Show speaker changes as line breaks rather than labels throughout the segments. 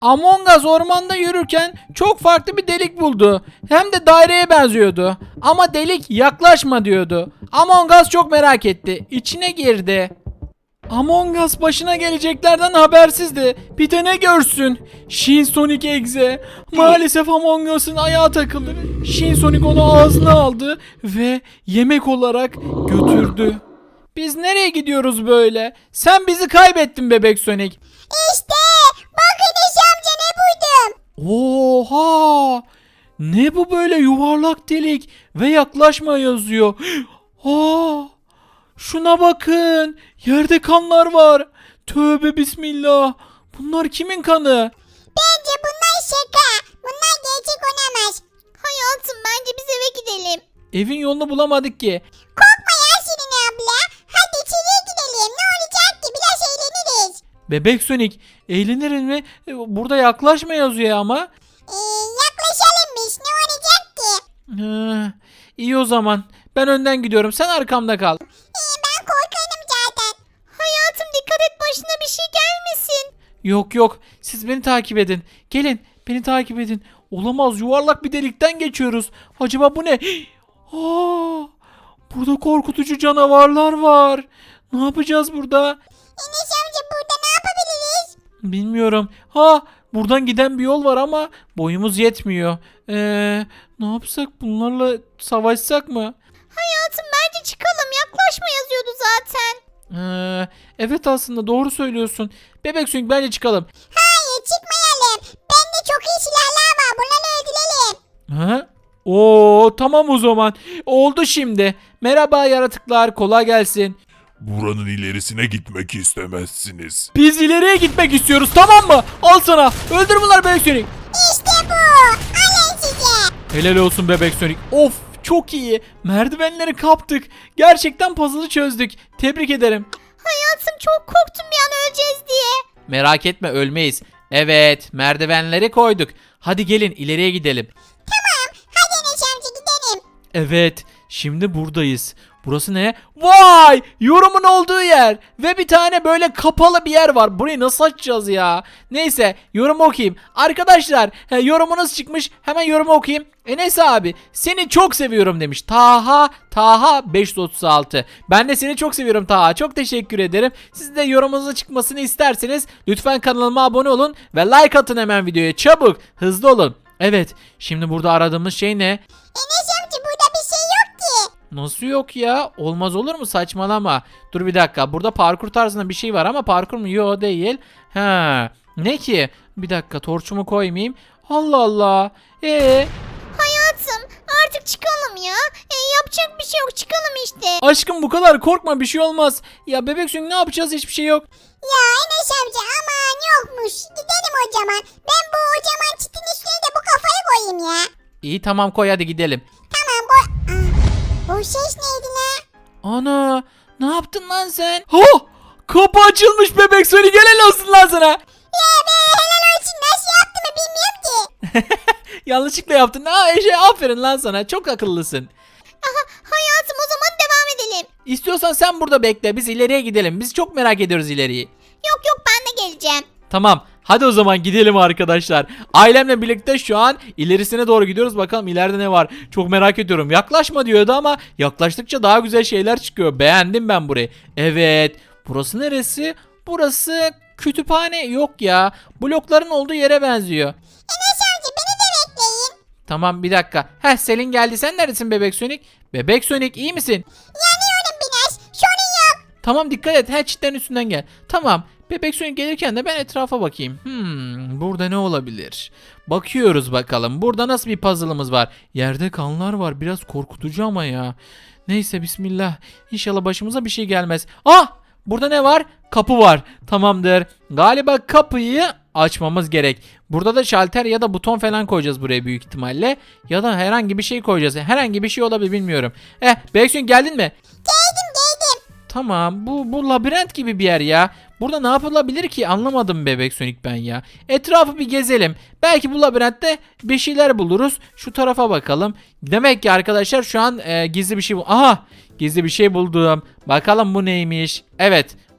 Among Us ormanda yürürken çok farklı bir delik buldu. Hem de daireye benziyordu. Ama delik yaklaşma diyordu. Among Us çok merak etti. İçine girdi. Among Us başına geleceklerden habersizdi. Bir de ne görsün? Shin Sonic Exe. Maalesef Among Us'ın ayağı takıldı. Shin Sonic onu ağzına aldı ve yemek olarak götürdü. Biz nereye gidiyoruz böyle? Sen bizi kaybettin bebek Sonic.
İşte bak Enes amca ne buydum.
Oha! Ne bu böyle yuvarlak delik ve yaklaşma yazıyor. Aa! Şuna bakın. Yerde kanlar var. Tövbe bismillah. Bunlar kimin kanı?
Bence bunlar şaka. Bunlar gerçek olamaz. Hayatım bence biz eve gidelim.
Evin yolunu bulamadık ki.
Korkma ya Şirin abla. Hadi içeriye gidelim. Ne olacak ki? Biraz eğleniriz.
Bebek Sonic eğleniriz mi? Burada yaklaşma yazıyor ama.
Yaklaşalım biz. Ne olacak ki?
İyi o zaman. Ben önden gidiyorum. Sen arkamda kal.
Ben korkarım zaten. Hayatım dikkat et başına bir şey gelmesin.
Yok yok. Siz beni takip edin. Gelin. Beni takip edin. Olamaz. Yuvarlak bir delikten geçiyoruz. Acaba bu ne? Aa, burada korkutucu canavarlar var. Ne yapacağız burada?
Enes amca burada ne yapabiliriz?
Bilmiyorum. Ha, buradan giden bir yol var ama boyumuz yetmiyor. Ne yapsak? Bunlarla savaşsak mı?
Hayatım bence çıkalım. Yaklaşma yazıyordu zaten.
Evet aslında doğru söylüyorsun. Bebek Sonic bence çıkalım.
Hayır çıkmayalım. Bende çok iyi silahlar var. Bunları öldürelim.
Ha? Oo tamam o zaman. Oldu şimdi. Merhaba yaratıklar, kolay gelsin.
Buranın ilerisine gitmek istemezsiniz.
Biz ileriye gitmek istiyoruz, tamam mı? Al sana. Öldür bunlar Bebek Sonic.
İşte bu. Alın size.
Helal olsun Bebek Sonic. Of çok iyi. Merdivenleri kaptık. Gerçekten puzzle'ı çözdük. Tebrik ederim.
Hayatım çok korktum bir an öleceğiz diye.
Merak etme, ölmeyiz. Evet, merdivenleri koyduk. Hadi gelin ileriye gidelim.
Tamam. Hadi Enes amca gidelim.
Evet, şimdi buradayız. Burası ne? Vay! Yorumun olduğu yer. Ve bir tane böyle kapalı bir yer var. Burayı nasıl açacağız ya? Neyse, yorumu okuyayım. Arkadaşlar, yorumunuz çıkmış. Hemen yorumu okuyayım. Enes abi, seni çok seviyorum demiş. Taha 536. Ben de seni çok seviyorum Taha. Çok teşekkür ederim. Siz de yorumunuzun çıkmasını isterseniz lütfen kanalıma abone olun ve like atın hemen videoya. Çabuk, hızlı olun. Evet, şimdi burada aradığımız şey ne?
Enes amca burada bir şey yok ki.
Nasıl yok ya? Olmaz olur mu? Saçmalama. Dur bir dakika. Burada parkur tarzında bir şey var ama parkur mu? Yok değil. Ha. Ne ki? Bir dakika torçumu koymayayım. Allah Allah.
Hayatım artık çıkalım ya. Yapacak bir şey yok çıkalım işte.
Aşkım bu kadar korkma, bir şey olmaz. Ya bebek Sonic ne yapacağız? Hiçbir şey yok.
Ya Enes amca aman yokmuş. Gidelim o zaman. Ben bu o zaman çitin üstüne de bu kafayı koyayım ya.
İyi tamam, koy hadi gidelim.
Tamam koy. O ses neydi ne?
Ana. Ne yaptın lan sen? Ha! Kapı açılmış bebek Sonic. Helal olsun lan sana.
Ya ben helal olsun nasıl yaptığımı bilmiyorum ki.
Yanlışlıkla yaptın. Aferin lan sana. Çok akıllısın.
Aha, hayatım o zaman devam edelim.
İstiyorsan sen burada bekle. Biz ileriye gidelim. Biz çok merak ediyoruz ileriyi.
Yok yok ben de geleceğim.
Tamam. Hadi o zaman gidelim arkadaşlar. Ailemle birlikte şu an ilerisine doğru gidiyoruz. Bakalım ileride ne var. Çok merak ediyorum. Yaklaşma diyordu ama yaklaştıkça daha güzel şeyler çıkıyor. Beğendim ben burayı. Evet. Burası neresi? Burası kütüphane. Yok ya. Blokların olduğu yere benziyor.
Enes amca beni de bekleyin.
Tamam bir dakika. Selin geldi. Sen neredesin bebek Sonic? Bebek Sonic iyi misin?
Yanıyorum biraz. Sorun yok.
Tamam dikkat et. Çitlerin üstünden gel. Tamam. Bebek Sonic gelirken de ben etrafa bakayım. Burada ne olabilir? Bakıyoruz bakalım. Burada nasıl bir puzzle'ımız var? Yerde kanlar var. Biraz korkutucu ama ya. Neyse bismillah. İnşallah başımıza bir şey gelmez. Burada ne var? Kapı var. Tamamdır. Galiba kapıyı açmamız gerek. Burada da şalter ya da buton falan koyacağız buraya büyük ihtimalle. Ya da herhangi bir şey koyacağız. Herhangi bir şey olabilir, bilmiyorum. Bebek Sonic geldin mi?
Geldim.
Tamam, bu labirent gibi bir yer ya. Burada ne yapılabilir ki, anlamadım bebek Sonic ben ya. Etrafı bir gezelim. Belki bu labirentte bir şeyler buluruz. Şu tarafa bakalım. Demek ki arkadaşlar şu an gizli bir şey Aha, gizli bir şey buldum. Bakalım bu neymiş. Evet,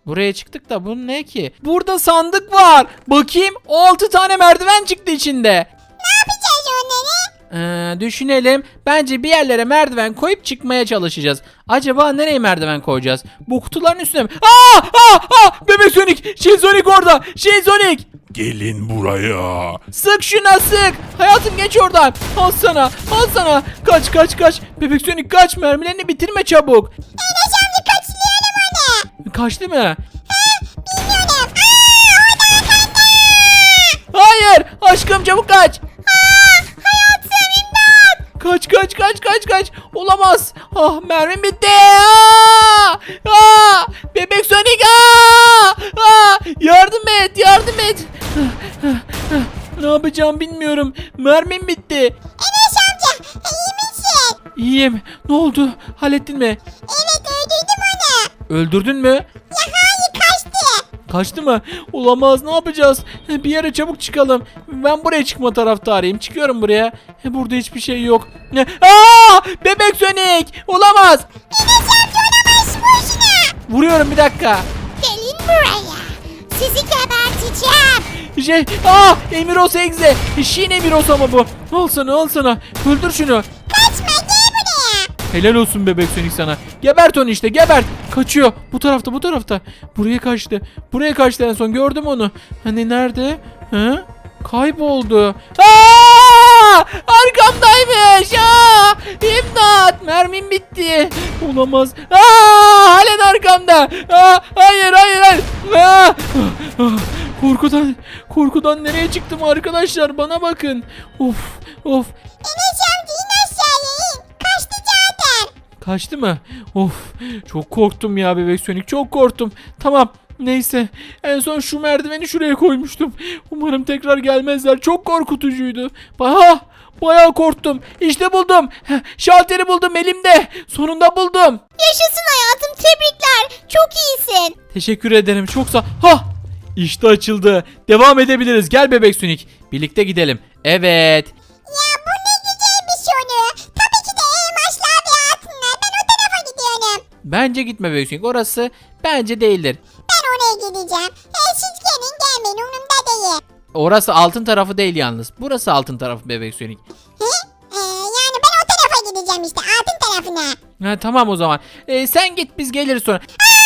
Buraya çıktık da bu ne ki? Burada sandık var. Bakayım 6 tane merdiven çıktı içinde.
Ne yapacağız onları?
Düşünelim. Bence bir yerlere merdiven koyup çıkmaya çalışacağız. Acaba nereye merdiven koyacağız? Bu kutuların üstüne mi? Bebek Sonic! Şey Sonic orada! Şey Sonic!
Gelin buraya.
Sık şuna sık! Hayatım geç oradan! Al sana! Al sana! Kaç kaç kaç! Bebek Sonic kaç! Mermilerini bitirme çabuk!
Enes amca kaçırıyorum onu.
Kaçtı mı?
Bilmiyorum.
Hayır! Aşkım çabuk kaç!
Hayatım imdat.
Kaç kaç kaç kaç kaç! Olamaz! Ah mermim bitti! Bebek Sonic! Yardım et! Yardım et! Ne yapacağım bilmiyorum. Mermim bitti.
Enes amca iyi misin?
İyiyim. Ne oldu? Hallettin mi?
Evet öldürdüm onu.
Öldürdün mü?
Ya hayır kaçtı.
Kaçtı mı? Olamaz. Ne yapacağız? Bir yere çabuk çıkalım. Ben buraya çıkma taraftarıyım. Çıkıyorum buraya. Burada hiçbir şey yok. Bebek Sonic! Olamaz.
Enes amca olamaz boşuna.
Vuruyorum bir dakika.
Gelin buraya. Sizi geberteceğim.
Emiros Egze. Şin Emiros ama bu. Al sana al sana. Öldür şunu.
Kaçma gel buraya.
Helal olsun Bebek Sonic sana. Gebert onu işte gebert. Kaçıyor. Bu tarafta bu tarafta. Buraya kaçtı. Buraya kaçtı en son gördüm onu. Hani nerede? Ha? Kayboldu. Arkamdaymış. İmdat. Mermim bitti. Olamaz. Halen arkamda. Hayır hayır hayır. Korkudan nereye çıktım arkadaşlar bana bakın. Of.
Enes amca in aşağıya in. Kaçtı zaten.
Kaçtı mı? Of çok korktum ya Bebek Sonic çok korktum. Tamam neyse en son şu merdiveni şuraya koymuştum. Umarım tekrar gelmezler çok korkutucuydu. Bayağı korktum. İşte buldum. Şalteri buldum elimde. Sonunda buldum.
Yaşasın hayatım tebrikler. Çok iyisin.
Teşekkür ederim çok sağ. İşte açıldı. Devam edebiliriz. Gel Bebek Sonic. Birlikte gidelim. Evet.
Ya bu ne güzel bir soru. Tabii ki de elmaslar ve altınlar. Ben o tarafa gidiyorum.
Bence gitme Bebek Sonic. Orası bence değildir.
Ben oraya gideceğim. Siz gelin gelmeyin umurumda değil.
Orası altın tarafı değil yalnız. Burası altın tarafı Bebek Sonic.
Yani ben o tarafa gideceğim işte altın tarafına.
Tamam o zaman. Sen git biz geliriz sonra.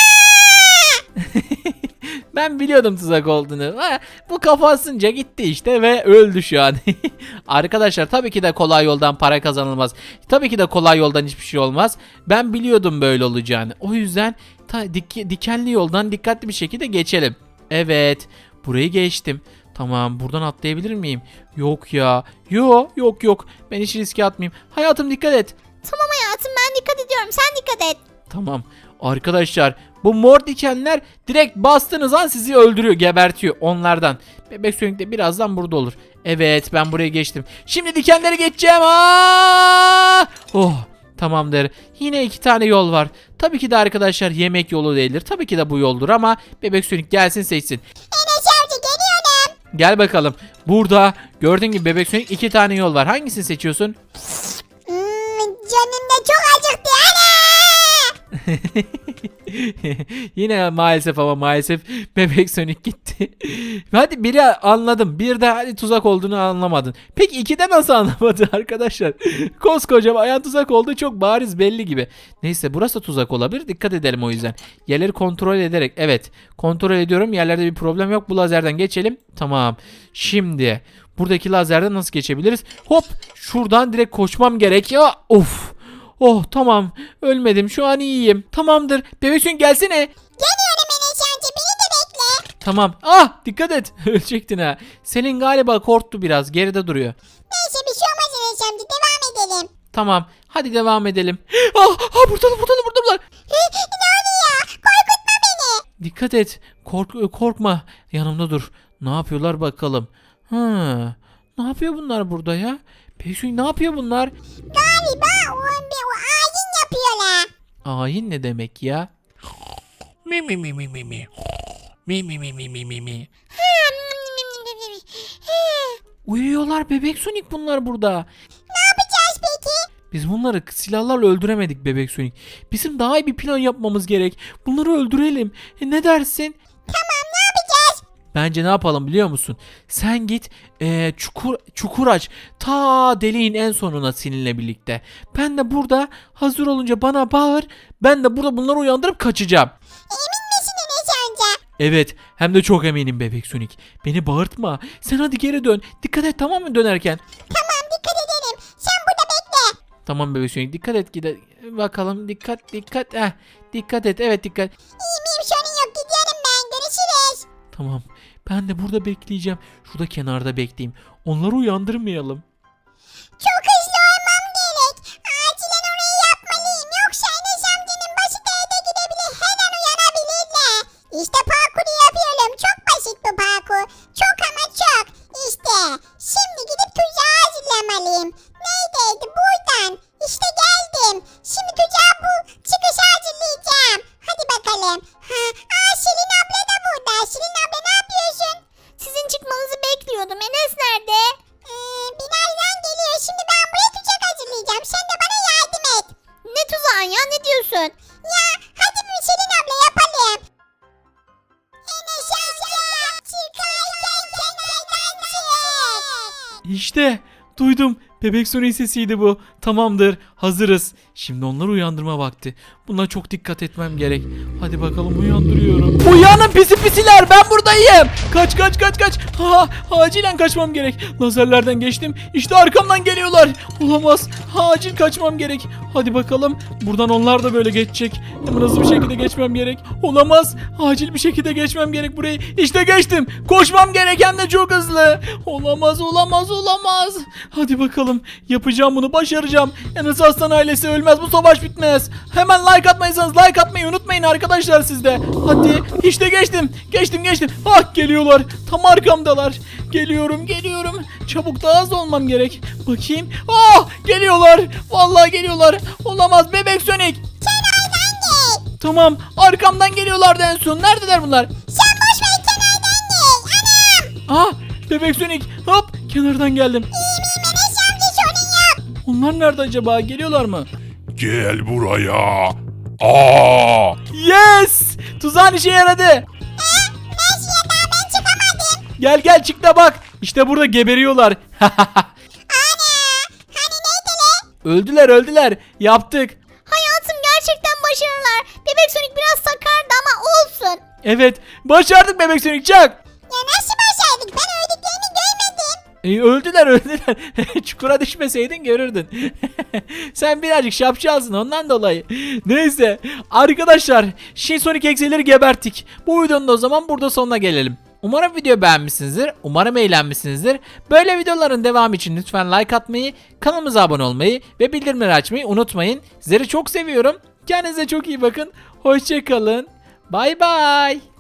Ben biliyordum tuzak olduğunu. Bu kafasınca gitti işte ve öldü şu an. Arkadaşlar tabii ki de kolay yoldan para kazanılmaz. Tabii ki de kolay yoldan hiçbir şey olmaz. Ben biliyordum böyle olacağını. O yüzden dikenli yoldan dikkatli bir şekilde geçelim. Evet. Burayı geçtim. Tamam buradan atlayabilir miyim? Yok ya. Yok. Ben hiç riske atmayayım. Hayatım dikkat et.
Tamam hayatım ben dikkat ediyorum sen dikkat et.
Tamam. Arkadaşlar bu mor dikenler direkt bastığınız an sizi öldürüyor, gebertiyor onlardan. Bebek Sonic de birazdan burada olur. Evet ben buraya geçtim. Şimdi dikenleri geçeceğim. Tamamdır. Yine 2 tane yol var. Tabii ki de arkadaşlar yemek yolu değildir. Tabii ki de bu yoldur ama Bebek Sonic gelsin seçsin.
Enes amca geliyorum.
Gel bakalım. Burada gördüğün gibi Bebek Sonic 2 tane yol var. Hangisini seçiyorsun?
Canım da çok acıktı ana.
Yine maalesef Bebek Sonic gitti. Hadi biri anladım. Bir de hadi tuzak olduğunu anlamadın. Peki 2'de nasıl anlamadın arkadaşlar? Koskoca ayağın tuzak olduğu çok bariz belli gibi. Neyse burası tuzak olabilir. Dikkat edelim o yüzden. Yerleri kontrol ederek. Evet. Kontrol ediyorum. Yerlerde bir problem yok. Bu lazerden geçelim. Tamam. Şimdi buradaki lazerden nasıl geçebiliriz? Hop. Şuradan direkt koşmam gerekiyor. Of. Tamam. Ölmedim. Şu an iyiyim. Tamamdır. Bebek Sonic gelsene.
Geliyorum Enes amca beni de bekle.
Tamam. Dikkat et. Ölecektin ha. Selin galiba korktu biraz. Geride duruyor.
Neyse bir şey olmaz Enes amca devam edelim.
Tamam. Hadi devam edelim. Buradalar.
Ne oluyor? Korkutma beni.
Dikkat et. Korkma. Yanımda dur. Ne yapıyorlar bakalım. Ne yapıyor bunlar burada ya? Bebek Sonic ne yapıyor bunlar?
Galiba o ayin yapıyorlar.
Ayin ne demek ya?
Mi mi mi mi mi mi. Mi mi mi mi mi mi mi.
Uyuyorlar Bebek Sonic bunlar burada.
Ne yapacağız peki?
Biz bunları silahlarla öldüremedik Bebek Sonic. Bizim daha iyi bir plan yapmamız gerek. Bunları öldürelim. Ne dersin?
Tamam, ne yapacağız?
Bence ne yapalım biliyor musun? Sen git çukur aç. Ta deliğin en sonuna seninle birlikte. Ben de burada hazır olunca bana bağır. Ben de burada bunları uyandırıp kaçacağım.
Emin misin Enes amca?
Evet, hem de çok eminim Bebek Sonic. Beni bağırtma. Sen hadi geri dön. Dikkat et, tamam mı dönerken?
Tamam, dikkat edelim. Sen burada bekle.
Tamam Bebek Sonic, dikkat et, bakalım, dikkat. Dikkat et, evet dikkat.
İyiyim, sorun yok, gidiyorum ben. Görüşürüz.
Tamam, ben de burada bekleyeceğim. Şurada kenarda bekleyeyim. Onları uyandırmayalım.
Çok hızlı olmam gerek. Acilen orayı yapmalıyım. Yoksa Enes amcanın başı değde gidebilir. Her an uyanabilirler. İşte parkuru yapıyorum. Çok basit bu parkur. Çok ama çok. İşte. Şimdi gidip tuzağı hazırlamalıyım. Neredeydi? Buradan. İşte geldim. Şimdi tuzağı bu çıkışı hazırlayacağım. Hadi bakalım. Şirin abla da burada. Şirin abla ne yapıyorsun?
Sizin çıkmanızı bekliyordum. Enes nerede?
Bilal'den geliyor. Şimdi ben buraya tuzak hazırlayacağım. Sen de bana yardım et.
Ne tuzağı ya? Ne diyorsun?
Ya hadi bir Şirin abla yapalım. Enes amca çıkarken kenardan çık.
İşte duydum. Bebek Sonic sesiydi bu. Tamamdır. Hazırız. Şimdi onları uyandırma vakti. Buna çok dikkat etmem gerek. Hadi bakalım, uyandırıyorum. Uyanın pisi pisiler, ben buradayım. Kaç. Acilen kaçmam gerek. Lazerlerden geçtim. İşte arkamdan geliyorlar. Olamaz. Acil kaçmam gerek. Hadi bakalım. Buradan onlar da böyle geçecek. Hemen hızlı bir şekilde geçmem gerek. Olamaz. Acil bir şekilde geçmem gerek burayı. İşte geçtim. Koşmam gerek, hem de çok hızlı. Olamaz. Hadi bakalım. Yapacağım bunu, başaracağım. Enes Aslan ailesi ölmez, bu savaş bitmez. Hemen like atmayırsanız like atmayı unutmayın arkadaşlar siz de. Hadi işte geçtim. Ah, geliyorlar. Tam arkamdalar. Geliyorum. Çabuk, daha hızlı olmam gerek. Bakayım. Ah, geliyorlar. Vallahi geliyorlar. Olamaz Bebek Sonic.
Kenardan gel.
Tamam, arkamdan geliyorlardı en son. Neredeler bunlar?
Sen boş ver, kenardan gel. Anam.
Ah, Bebek Sonic. Hop, kenardan geldim.
İyiyim Enes amca, sorun yok.
Onlar nerede acaba? Geliyorlar mı?
Gel buraya. Aa!
Yes! Tuzağın işe yaradı.
Nasıl ya, daha ben çıkamadım.
Gel çık da bak. İşte burada geberiyorlar.
Hani neydi le?
Öldüler. Yaptık.
Hayatım, gerçekten başarılar. Bebek Sonic biraz sakardı ama olsun.
Evet, başardık Bebek Sonic, çak.
Ya nasıl başardık? Ben öldüklerini görmedim.
Öldüler. Çukura düşmeseydin görürdün. Sen birazcık şapşalsın ondan dolayı. Neyse arkadaşlar, Sonic egzeleri geberttik. Bu videonun da o zaman burada sonuna gelelim. Umarım video beğenmişsinizdir. Umarım eğlenmişsinizdir. Böyle videoların devamı için lütfen like atmayı, kanalımıza abone olmayı ve bildirimleri açmayı unutmayın. Sizleri çok seviyorum. Kendinize çok iyi bakın. Hoşça kalın. Bay bay.